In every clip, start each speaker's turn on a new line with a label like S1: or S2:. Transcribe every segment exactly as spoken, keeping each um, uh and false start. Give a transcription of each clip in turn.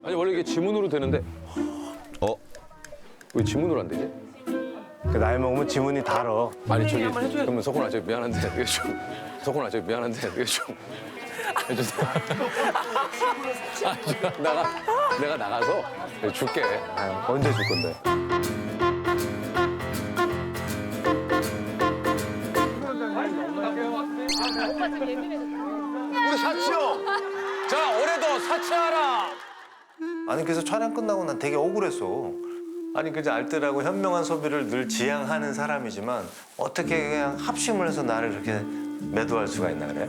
S1: 아니 원래 이게 지문으로 되는데
S2: 어?
S1: 왜 지문으로 안 되지?
S3: 그 나이 먹으면 지문이 달어.
S1: 아니 저기 그러면 석훈아 저 미안한데 이게 좀 석훈아 저 미안한데 이게 좀 해주세요. 아, 저 나가 내가 나가서 줄게.
S3: 아, 언제 줄 건데?
S2: 우리 사치 형! 자, 올해도 사치하라!
S3: 아니 그래서 촬영 끝나고 난 되게 억울했어. 아니 그저 알뜰하고 현명한 소비를 늘 지향하는 사람이지만 어떻게 그냥 합심을 해서 나를 그렇게 매도할 수가 있나 그래?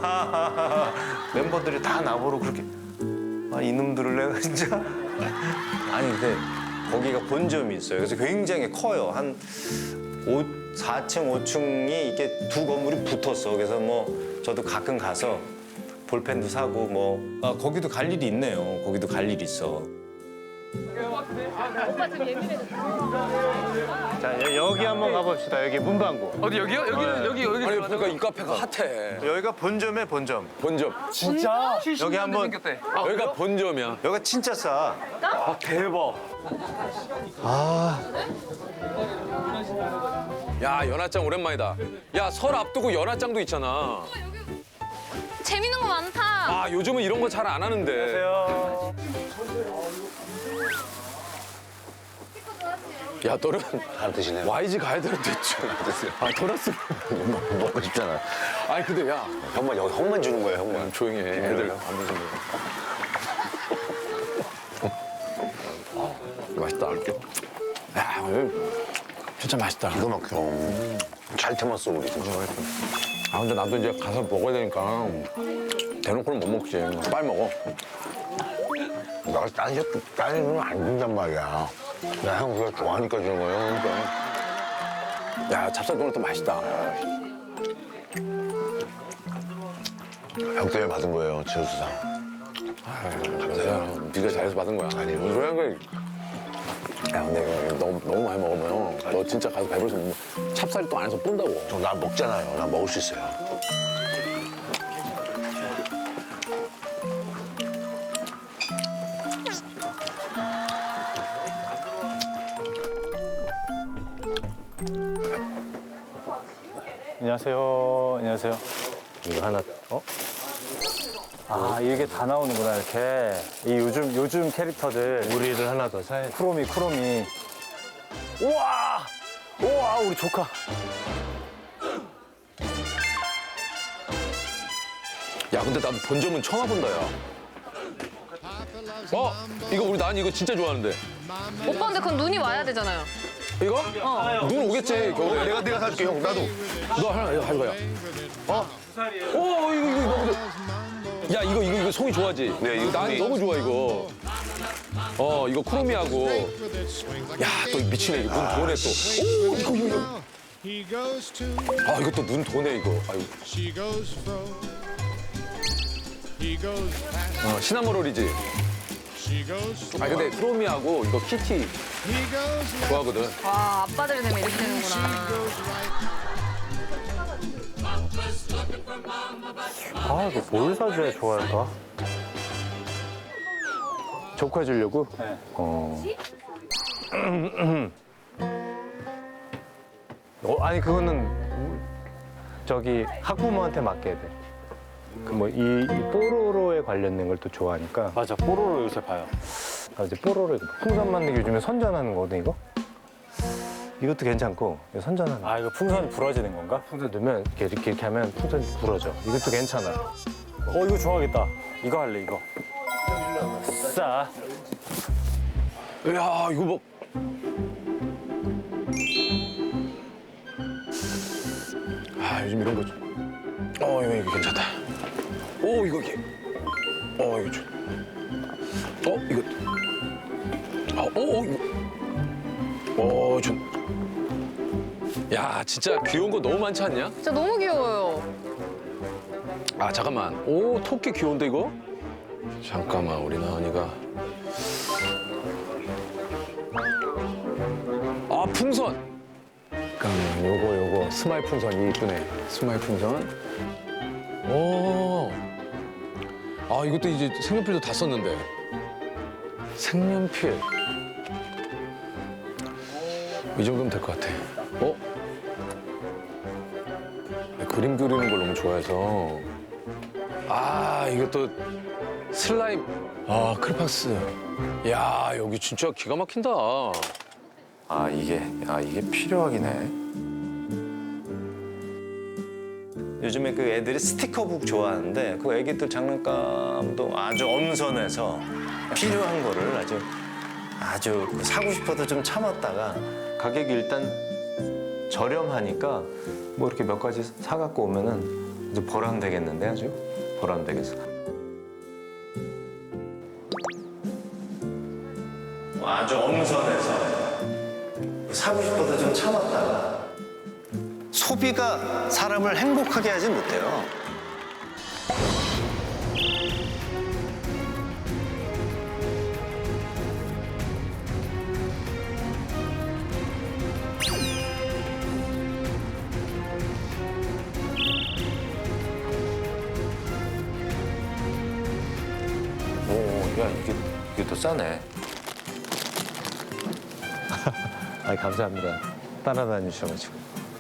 S3: 멤버들이 다 나보러 그렇게 아 이놈들을 내가 진짜 아니 근데 거기가 본점이 있어요. 그래서 굉장히 커요. 한 사 층, 오 층이 이게 두 건물이 붙었어. 그래서 뭐 저도 가끔 가서 볼펜도 사고 뭐 아, 거기도 갈 일이 있네요. 거기도 갈 일이 있어. 자 여, 여기 한번 가봅시다. 여기 문방구.
S4: 어디 여기요? 여기는 여기 여기
S1: 아니 그러니까 이 카페가 핫해.
S3: 여기가 본점에 본점.
S1: 본점.
S4: 진짜?
S3: 여기 한번
S4: 생겼대.
S1: 여기가 본점이야.
S3: 여기가 진짜 싸.
S4: 아 대박.
S1: 야 연하장 오랜만이다. 야 설 앞두고 연하장도 있잖아.
S5: 재밌는 거 많다.
S1: 아 요즘은 이런 거 잘 안 하는데.
S3: 안녕하세요.
S1: 야 너는
S2: 안 드시네요.
S1: 와이지 가야 되는데
S2: 드세요.
S1: 아 도넛을.
S2: 먹고 싶잖아.
S1: 아니 근데 야
S2: 형만, 여기 형만 주는 거예요, 형만.
S1: 조용히 해. 애들 안 드시는 거. 맛있다. 이렇게. 야 오늘 진짜 맛있다.
S2: 기가 막혀. 음. 잘 태웠어, 우리 진짜.
S1: 아 근데 나도 이제 가서 먹어야 되니까 대놓고는 못 먹지. 빨리 먹어.
S2: 내가 딴 새, 딴 애는 안 준단 말이야. 나 형 그거 좋아하니까 주는 거예요, 그러니까.
S1: 야 찹쌀 도넛도 맛있다.
S2: 형 때문에 받은 거예요, 지효수상.
S1: 감사해요. 네가 잘해서 받은 거야. 아니 뭔 소리 하는 거야. 야 근데 이거 너무 너무 많이 먹으면 너 진짜 가서 배불러서 못 먹어. 찹쌀이 또 안에서 뿜다고.
S2: 저 나 먹잖아요. 나 먹을 수 있어요.
S3: 안녕하세요. 안녕하세요. 이거 하나 어? 아 이게 다 나오는구나 이렇게. 이 요즘 요즘 캐릭터들. 우리를 하나 더 사야 돼. 쿠로미 쿠로미. 우와 우와 우리 조카.
S1: 야 근데 나도 본점은 처음 와본다 야. 어 이거 우리 난 이거 진짜 좋아하는데.
S5: 오빠 근데 그건 눈이 와야 되잖아요.
S1: 이거? 어. 눈 오겠지 겨울에.
S2: 내가, 내가 사줄게, 형. 나도.
S1: 너 하나 이거 가져가야. 어? 오 이거 이거 너무 좋아. 야 이거 이거 이거 송이 좋아하지?
S2: 네, 이거
S1: 난
S2: 송이.
S1: 너무 좋아 이거. 어 이거 쿠로미하고. 야 또 미치네 이거 눈 도네 또. 오 이거 이거 이거. 아 이거 또 눈 도네 이거. 아유. 어 시나모롤이지. 아 근데 쿠로미하고 이거 키티 좋아하거든.
S5: 와 아빠들이 되면 이렇게 되는구나.
S3: 아 이거 뭘 사줘야 좋아할까? 조카 주려고? 네. 어. 어 아니 그거는 저기 학부모한테 맡겨야 돼. 그 뭐 이 뽀로로에 관련된 걸 또 좋아하니까.
S6: 맞아, 뽀로로 요새 봐요.
S3: 아, 이제 뽀로로 이거 풍선 만들기 요즘에 선전하는 거거든 이거. 이것도 괜찮고 이거 선전하는 거.
S6: 아, 이거 풍선이 부러지는 건가?
S3: 풍선 넣으면 이렇게 이렇게, 이렇게 하면 풍선이 부러져. 이것도 괜찮아.
S6: 어, 이거 좋아하겠다. 이거 할래, 이거. 싸.
S1: 야 이거 뭐. 아 요즘 이런 거 좀. 어 이거 이거 괜찮다. 오 이거 이게. 어 이거 좀. 어 이거. 아오 어, 이거. 어 좀. 야 진짜 귀여운 거 너무 많지 않냐?
S5: 진짜 너무 귀여워요.
S1: 아 잠깐만. 오 토끼 귀여운데 이거? 잠깐만 우리 나은이가. 아 풍선. 잠깐만 요거 요거 스마일 풍선 이쁘네. 스마일 풍선. 오. 아 이것도 이제 색연필도 다 썼는데. 색연필. 이 정도면 될 것 같아. 어? 그림 그리는 걸 너무 좋아해서. 아, 이것도 슬라임. 아, 크레파스. 야, 여기 진짜 기가 막힌다.
S3: 아 이게 아 이게 필요하긴 해. 요즘에 그 애들이 스티커북 좋아하는데 그 애기들 장난감도 아주 엄선해서 필요한 거를 아주 아주 그 사고 싶어도 좀 참았다가 가격이 일단 저렴하니까 뭐 이렇게 몇 가지 사갖고 오면은 이제 보람되겠는데 아주 보람되겠어. 아주 엄선해서 사고 싶어도 좀 참았다가 소비가 사람을 행복하게 하진 못해요. 오, 야 이게 이게 더 싸네. 아 감사합니다. 따라다니 주셔가지고.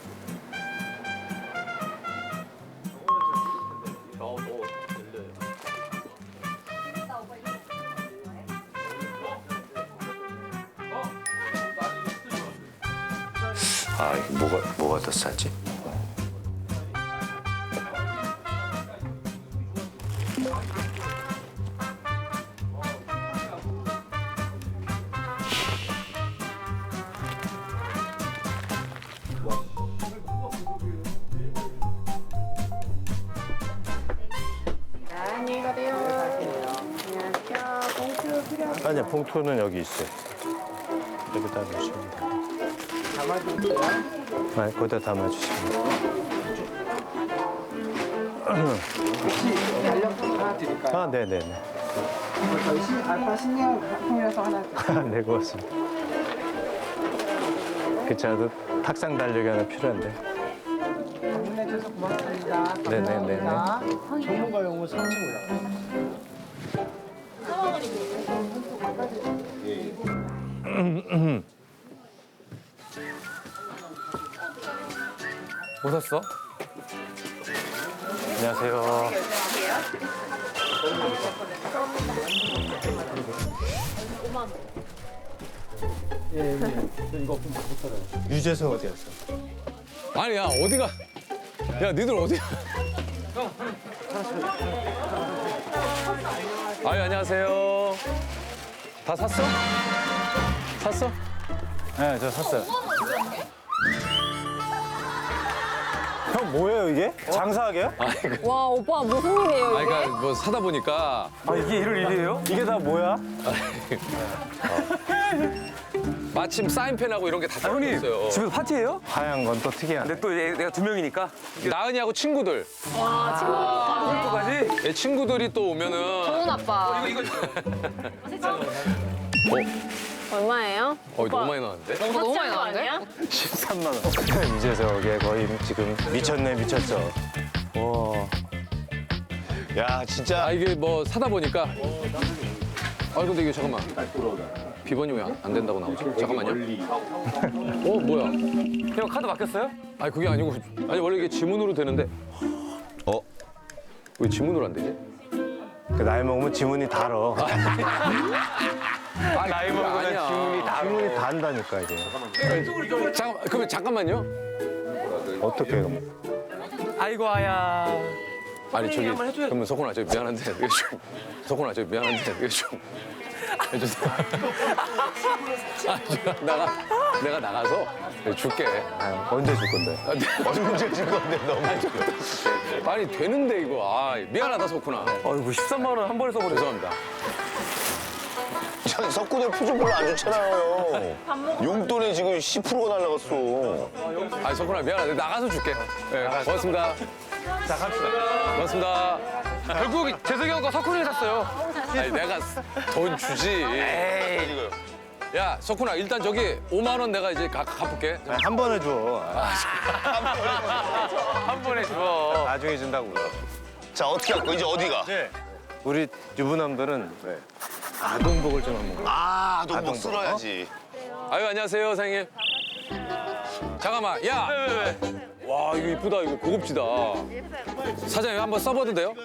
S3: 아 이게 뭐가 뭐가 더 싸지?
S7: 안녕히 가세요. 안녕하세요. 봉투 필요하세요?
S3: 아니요 봉투는 여기 있어요. 여기다 놓으시면 돼요.
S7: 담아드릴게요.
S3: 아 거기다 담아주시면 돼요.
S7: 혹시 연락처 하나 드릴까요?
S3: 아 네네네.
S7: 저희 신, 알파 신경 통해서 하나 드릴게요.
S3: 네 고맙습니다. 그 저도 탁상 달력이 하나 필요한데.
S7: 방문해주셔서 고맙습니다.
S3: 네네네네.
S7: 감사합니다. 전문가 용어 삼층이요.
S1: 뭐 샀어?
S3: 안녕하세요. 유재석 어디 갔어?
S1: 아니, 야, 어디가. 야, 니들 어디야? 아유, 안녕하세요. 다 샀어? 샀어?
S3: 네, 저 샀어요. 형 뭐예요 이게? 장사하게요?
S5: 와 오빠 무슨 일이에요?
S1: 아니, 그러니까 뭐 사다 보니까
S6: 아 이게 이럴 일이에요?
S3: 이게 다 뭐야?
S1: 마침 사인펜하고 이런 게 다
S6: 아, 형님
S1: 들어있어요.
S6: 집에서 파티예요?
S3: 하얀 건 또 특이하네.
S6: 근데 또 얘- 내가 두 명이니까
S1: 나은이하고 친구들.
S6: 친구까지.
S1: 얘 친구들이 또 오면은.
S5: 좋은 아빠. 얼마예요?
S1: 어, 너무 많이 나왔는데?
S5: 오빠 너무 많이 나왔는데?
S3: 십삼만 원. 유재석에 거의 지금 미쳤네 미쳤어. 와. 야 진짜.
S1: 아, 이게 뭐 사다 보니까. 아, 근데 이게 잠깐만. 비번이 왜 안 된다고 나오지? 잠깐만요. 어, 뭐야?
S6: 형 카드 바뀌었어요?
S1: 아니, 그게 아니고. 아니, 원래 이게 지문으로 되는데.
S3: 어?
S1: 왜 지문으로 안 되지?
S3: 그 나이 먹으면 지문이 달어.
S1: 아, 나이 먹으면
S3: 지문이 다 지문이 단다니까 이게.
S1: 잠깐, 그러면 잠깐만요.
S3: 어떻게 해요?
S6: 아이고 아야.
S1: 아니, 저기,
S6: 한번 해줘야-
S1: 그러면 석훈아, 저기 미안한데, 이게 좀. 석훈아, 저기 미안한데, 이게 좀. 해주세요. 아, 저, 나가, 내가 나가서 줄게.
S3: 아, 언제 줄 건데?
S1: 아, 네. 언제 줄 건데, 너무. 아니, 되는데, 이거. 아, 미안하다, 석훈아.
S6: 어이구 십삼만 원 한 번에 써버려.
S1: 죄송합니다.
S2: 전 석구대 표정 별로 안 좋잖아요. 용돈에 지금 십 퍼센트가 날라갔어.
S1: 아, 석훈아, 미안하다. 나가서 줄게. 네, 고맙습니다.
S3: 자 갑시다.
S1: 고맙습니다.
S6: 결국 재석이 형과 석훈이 샀어요.
S1: 아니, 내가 돈 주지. 야, 석훈아, 일단 저기 오만 원 내가 이제 가, 갚을게.
S3: 한 번에 줘.
S6: 한 번에 줘.
S3: 나중에 준다고.
S2: 자, 어떻게 할 거야? 이제 어디가?
S3: 우리 유부남들은 아동복을 좀 한번.
S2: 아, 아동복
S3: 아동복.
S2: 쓸어야지.
S1: 아유 안녕하세요 사장님. 잠깐만 야. 와 이거 이쁘다 이거 고급지다. 사장님 한번 써봐도 돼요?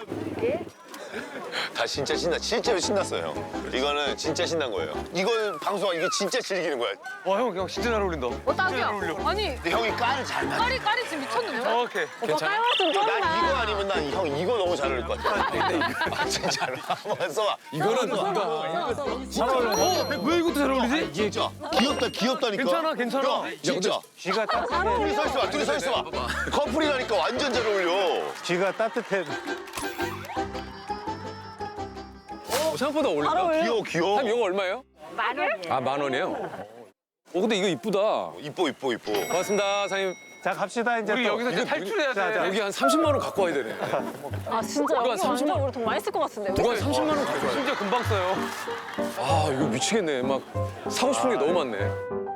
S2: 다 진짜 신나, 실제로 신났어요, 형. 이거는 진짜 신난 거예요. 이걸 방송하 이게 진짜 즐기는 거야.
S4: 와형 형 진짜 잘 어울린다.
S5: 어, 딱이야. 아니,
S2: 근데 형이 깔을 잘 맞아.
S5: 까리, 까리 지금 미쳤는데?
S4: 오케이.
S5: 오빠 깔맞춤 쩐다.
S2: 난 이거 아니면 난 형 이거 너무 잘 어울릴 것 같아. 진짜로. 한번 써봐.
S1: 이거는 뭔가.
S4: 어, 왜 이것도 잘 어울리지?
S2: 진짜. 귀엽다, 귀엽다니까.
S4: 괜찮아, 괜찮아.
S2: 형, 진짜.
S3: 쥐가 따뜻해.
S2: 둘이 서 있어봐, 둘이 서 있어봐. 커플이라니까 완전 잘 어울려.
S3: 쥐가 따뜻해.
S1: 어, 생각보다 어울린다.
S5: 바로 어울려.
S2: 귀여워, 귀여워.
S1: 사장님 이거 얼마예요?
S5: 만 원?
S1: 아 만 원이에요? 어 근데 이거 이쁘다.
S2: 이뻐, 이뻐, 이뻐.
S1: 고맙습니다 사장님.
S3: 자 갑시다 이제
S4: 우리
S3: 또.
S4: 여기서 이제 탈출해야 돼.
S1: 여기 한 삼십만 원 갖고 와야 되네.
S5: 아, 진짜
S1: 누가
S5: 여기
S1: 삼십만
S5: 완전 우리 돈 많이 쓸 것 같은데.
S1: 누가 삼십만 원 갖고 와야 돼.
S4: 진짜 금방 써요.
S1: 아 이거 미치겠네. 막 사고 싶은 게 너무 많네.